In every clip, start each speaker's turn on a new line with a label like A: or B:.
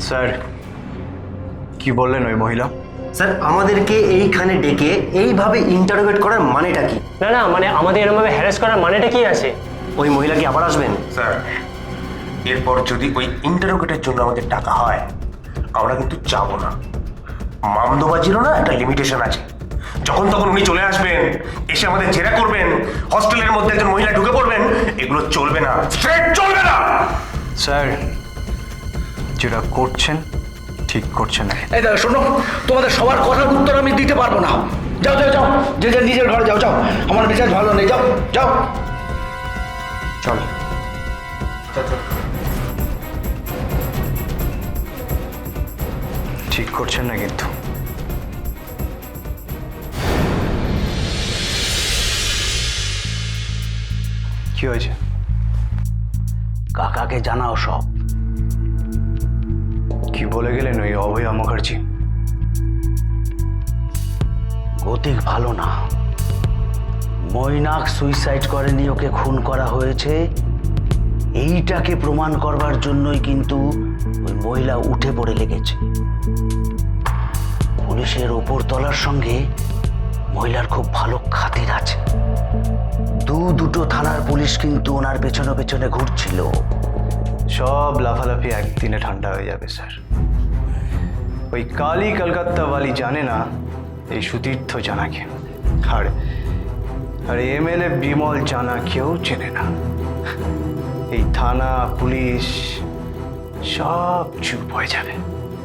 A: Sir কি বললেন ওই মহিলা?
B: স্যার আমাদেরকে এইখানে ডেকে এইভাবে ইন্টারোগেট করার মানেটা কি?
C: না না, মানে আমাদের এরকমভাবে হ্যারাস করার মানেটা কি আছে?
B: ওই মহিলা কি আবার আসবেন?
D: স্যার এরপর যদি ওই ইন্টারোগেটের জন্য আমাদের টাকা হয় আমরা কিন্তু যাবো না। মামদোবাজিরও না একটা লিমিটেশন আছে। যখন তখন উনি চলে আসবেন, এসে আমাদের জেরা করবেন, হস্টেলের মধ্যে একজন মহিলা ঢুকে পড়বেন, এগুলো চলবে না, স্ট্রেট চলবে না।
A: স্যার যেটা করছেন ঠিক করছেন না।
E: এই দাদা শোনো, তোমাদের সবার কথার উত্তর আমি দিতে পারবো না। যাও যাও যাও, যে যার নিজের ঘরে যাও। যাও, আমার মেজাজ ভালো নেই। যাও যাও।
A: চল। ঠিক করছেন না কিন্তু। কি হয়েছে?
E: কাকাকে জানাও সব।
A: কি বলে গেলেন ওই অভয়া মুখার্জি?
E: গতিক ভালো না। মৈনাক সুইসাইড করেনি, ওকে খুন করা হয়েছে। এইটাকে প্রমাণ করবার জন্যই কিন্তু ওই মহিলা উঠে পড়ে লেগেছে। পুলিশের ওপর তলার সঙ্গে মহিলার খুব ভালো খাতির আছে। দুটো থানার পুলিশ কিন্তু ওনার পেছনে পেছনে ঘুরছিল।
A: সব লাফালাফি একদিনে ঠান্ডা হয়ে যাবে স্যার। ওই কালী কলকাতাওয়ালি জানে না এই সুতীর্থ জানাকে, আর এমএলএ বিমল জানাকেও চেনে না। এই থানা পুলিশ সব চুপ হয়ে যাবে।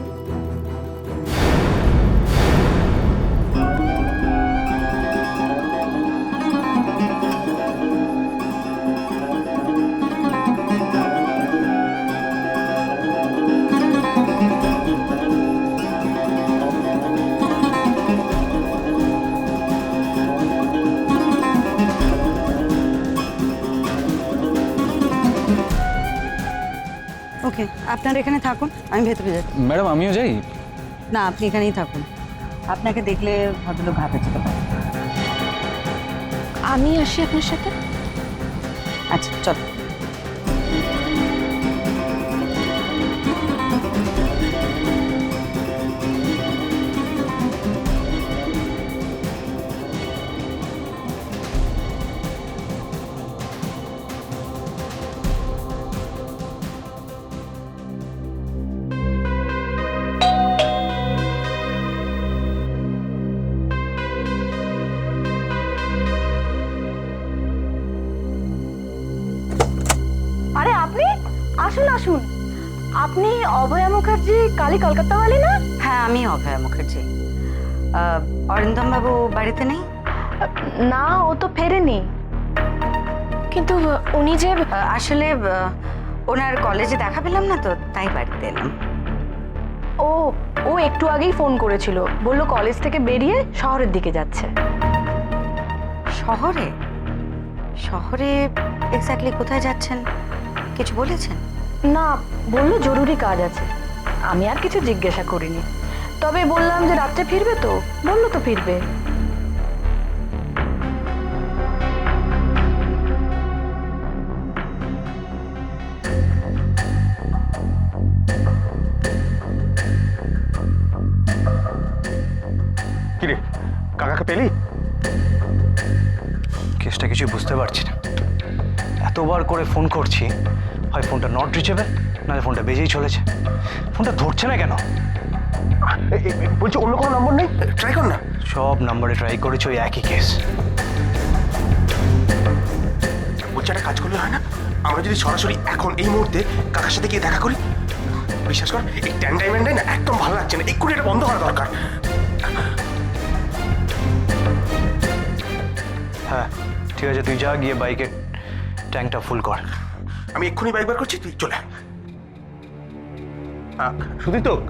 F: ওকে, আপনারা এখানে থাকুন, আমি ভেতরে যাচ্ছি।
G: ম্যাডাম আমিও যাই?
F: না, আপনি এখানেই থাকুন। আপনাকে দেখলে ভদ্রলোক ঘাবড়ে যেতে পারে।
H: আমি আসি আপনার সাথে।
F: আচ্ছা চলো।
H: আরে আপনি আসুন আসুন। আপনি অভয়া মুখার্জি কালী কলকাতাওয়ালি না?
F: হ্যাঁ, আমি অভয়া মুখার্জি। অরিন্দম বাবু বাড়িতে নেই?
H: না, ও তো ফেরেনি। কিন্তু উনি যে
F: আসলে ওনার কলেজে দেখা পেলাম না তো, তাই বাড়িতে এলাম।
H: ও ও একটু আগেই ফোন করেছিল, বলল কলেজ থেকে বেরিয়ে শহরের দিকে যাচ্ছে।
F: শহরে? শহরে এক্স্যাক্টলি কোথায় যাচ্ছেন কিছু বলেছেন?
H: না, বলল জরুরি কাজ আছে। আমি আর কিছু জিজ্ঞাসা করিনি, তবে বললাম যে রাত্রে ফিরবে তো, বললো তো ফিরবে।
D: কিরে কাকাকে পেলি?
A: কেসটা কিছু বুঝতে পারছি না। এতবার করে ফোন করছি, হয় ফোনটা নট রিচেবল, নাহলে ফোনটা বেজেই চলেছে। ফোনটা ধরছে না কেন?
D: বলছি অন্য কোনো নম্বর নেই? ট্রাই কর না।
A: সব নাম্বারে ট্রাই করেছি, ওই একই কেস।
D: বলছি একটা কাজ করলে হয় না? আমরা যদি সরাসরি এখন এই মুহূর্তে কাকার সাথে গিয়ে দেখা করি। বিশ্বাস কর, এই ট্যান্ডাই ম্যান্ডাই না একদম ভালো লাগছে না, এক্ষুনি এটা বন্ধ করা দরকার।
A: হ্যাঁ ঠিক আছে, তুই যা গিয়ে বাইকের ট্যাঙ্কটা ফুল কর।
D: আমি এক্ষুনি বাইক বার করছি, তুই চলে আয়। শুধু তো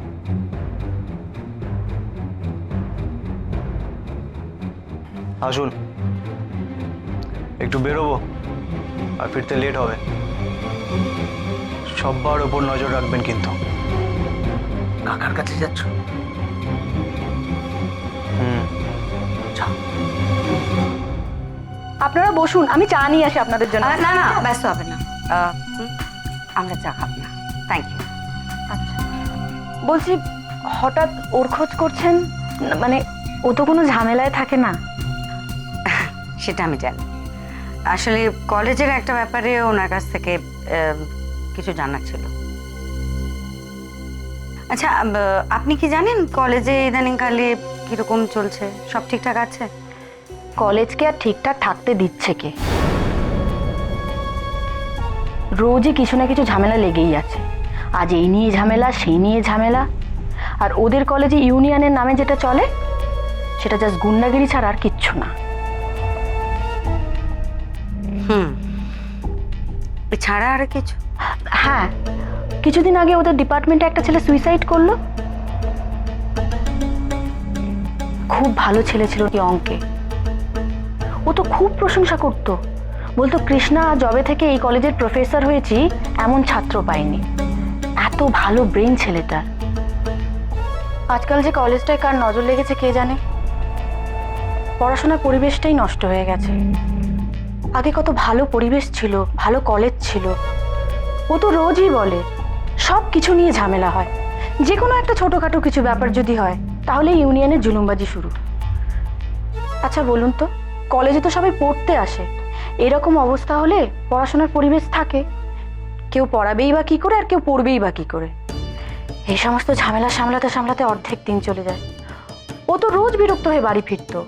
A: আসুন, একটু বেরোবো আর ফিরতে লেট হবে। সবার ওপর নজর রাখবেন কিন্তু।
E: কাকার কাছে যাচ্ছ?
H: আপনারা বসুন, আমি চা নিয়ে আসি আপনাদের জন্য।
F: না না, ব্যস্ত হবে না। আমরা চা খাবো না, থ্যাংক ইউ।
H: আচ্ছা। বলছি হঠাৎ ওর খোঁজ করছেন, মানে ও তো কোনো ঝামেলায় থাকে না।
F: সেটা আমি জানি। আসলে কলেজের একটা ব্যাপারে ওনার কাছ থেকে কিছু জানার ছিল। আচ্ছা, আপনি কি জানেন কলেজে ইদানিংকালে কিরকম চলছে? সব ঠিকঠাক আছে?
H: কলেজকে আর ঠিকঠাক থাকতে দিচ্ছে কে? রোজই কিছু না কিছু ঝামেলা লেগেই আছে। আজ এই নিয়ে ঝামেলা, সেই নিয়ে ঝামেলা। আর ওদের কলেজে ইউনিয়নের নামে যেটা চলে সেটা জাস্ট গুন্ডাগিরি ছাড়া আর কিচ্ছু না।
F: ছাড়া আর কিছু?
H: হ্যাঁ, কিছুদিন আগে ওদের ডিপার্টমেন্টে একটা ছেলে সুইসাইড করলো। খুব ভালো ছেলে ছিল কি অঙ্কে, ও তো খুব প্রশংসা করতো, বলতো কৃষ্ণা জবে থেকে এই কলেজের প্রফেসর হয়েছি এমন ছাত্র পাইনি, এত ভালো ব্রেন ছেলেটার। আজকাল যে কলেজটায় কার নজর লেগেছে কে জানে। পড়াশোনার পরিবেশটাই নষ্ট হয়ে গেছে। আগে কত ভালো পরিবেশ ছিল, ভালো কলেজ ছিল। ও তো রোজই বলে সব কিছু নিয়ে ঝামেলা হয়, যে কোনো একটা ছোটখাটো কিছু ব্যাপার যদি হয় তাহলে ইউনিয়নের জুলুমবাজি শুরু। আচ্ছা বলুন তো, কলেজে তো সবাই পড়তে আসে, এরকম অবস্থা হলে পড়াশোনার পরিবেশ থাকে? কেউ পড়াবেই বা কি করে আর কেউ পড়বেই বা কি করে? এই সমস্ত ঝামেলা সামলাতে সামলাতে অর্ধেক দিন চলে যায়। ও তো রোজ বিরক্ত হয়ে বাড়ি ফিরতো।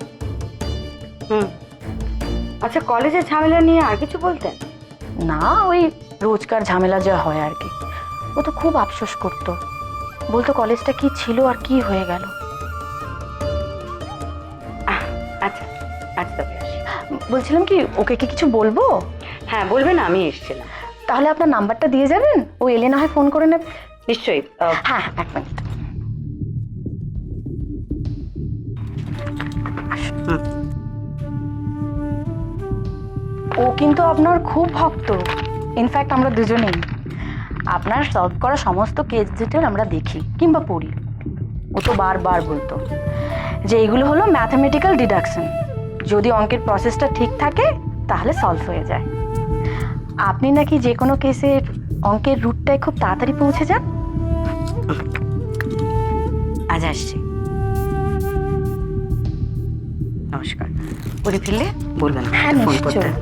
F: আচ্ছা, কলেজের ঝামেলা নিয়ে আর কিছু বলতেন?
H: না, ওই রোজকার ঝামেলা যা হয় আর কি। ও তো খুব আফসোস করতো, বলতো কলেজটা কি ছিল আর কি হয়ে গেল।
F: আচ্ছা আচ্ছা, তবে আসি।
H: বলছিলাম কি, ওকে কি কিছু বলবো?
F: হ্যাঁ বলবেন, আমি এসেছিলাম।
H: তাহলে আপনার নাম্বারটা দিয়ে যাবেন, ও এলে না হয় ফোন করে নেবে।
F: নিশ্চয়ই।
H: হ্যাঁ, এক মিনিট। ও কিন্তু আপনার খুব ভক্ত। ইনফ্যাক্ট আমরা দুজনেই আপনার সলভ করা সমস্ত কেস ডিটেল আমরা দেখি কিংবা পড়ি। ও তো বারবার বলতো যে এইগুলো হলো ম্যাথামেটিক্যাল ডিডাকশন, যদি অঙ্কের প্রসেসটা ঠিক থাকে তাহলে সলভ হয়ে যায়। আপনি নাকি যে কোনো কেসের অঙ্কের রুটটায় খুব তাড়াতাড়ি পৌঁছে যান।
F: আজ আসছি। নমস্কার। উনি ফিরলে বলবেন
H: হ্যাঁ,
F: ফোন
H: নিশ্চয়ই।
F: করতে।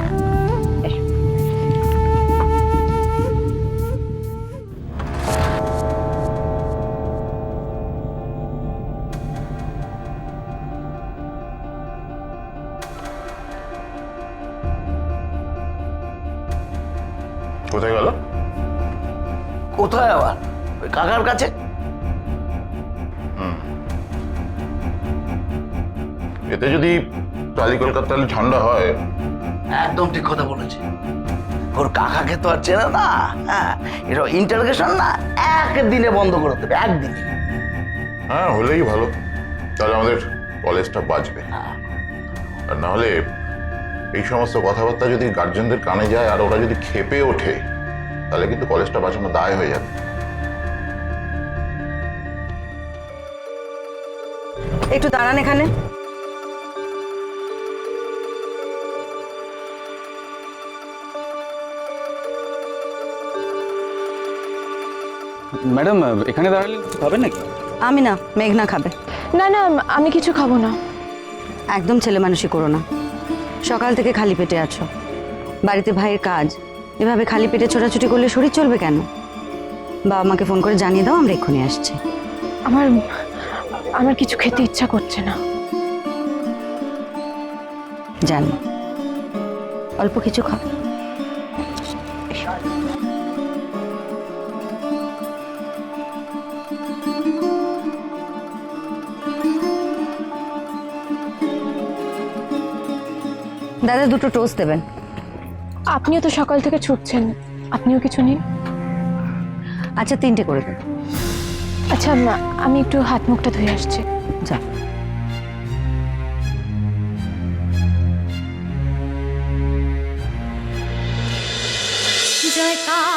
G: কোথায় গেল?
E: কোথায় আবার? ওই কাকার কাছে।
G: এতে যদি কালী কলকাতার ঝান্ডা হয়,
E: একদম ঠিক কথা বলেছে। ওর কাকাকে তো আর চেনে না। হ্যাঁ, এটা ইন্টারোগেশন না, একদিনে বন্ধ করে দেবে, একদিনে।
G: হ্যাঁ হলেই ভালো, তাহলে আমাদের কলেজটা বাঁচবে। আর না হলে এই সমস্ত কথাবার্তা যদি গার্জেনদের কানে যায় আর ওরা যদি ক্ষেপে ওঠে, তাহলে কিন্তু কলেজটা বাঁচানো দায় হয়ে যাবে।
F: একটু দাঁড়ান এখানে।
I: ম্যাডাম, এখানে দাঁড়ালে খাবেন নাকি?
F: আমি না, মেঘনা খাবে।
H: না না, আমি কিছু খাবো না।
F: একদম ছেলে মানুষই করো না। সকাল থেকে খালি পেটে আছো, বাড়িতে ভাইয়ের কাজ, এভাবে খালি পেটে ছোটাছুটি করলে শরীর চলবে কেন? বাবা মাকে ফোন করে জানিয়ে দাও, আমরা এক্ষুনি আসছি।
H: আমার কিছু খেতে ইচ্ছা করছে না।
F: জানি, অল্প কিছু খাও। দাদা, দুটো টোস্ট দেবেন।
H: আপনিও তো সকাল থেকে ছুটছেন, আপনিও কিছু নিন।
F: আচ্ছা, 3টে করে দেন।
H: আচ্ছা, আমি একটু হাত মুখটা ধুয়ে আসছি।
F: যা।
J: জয়কার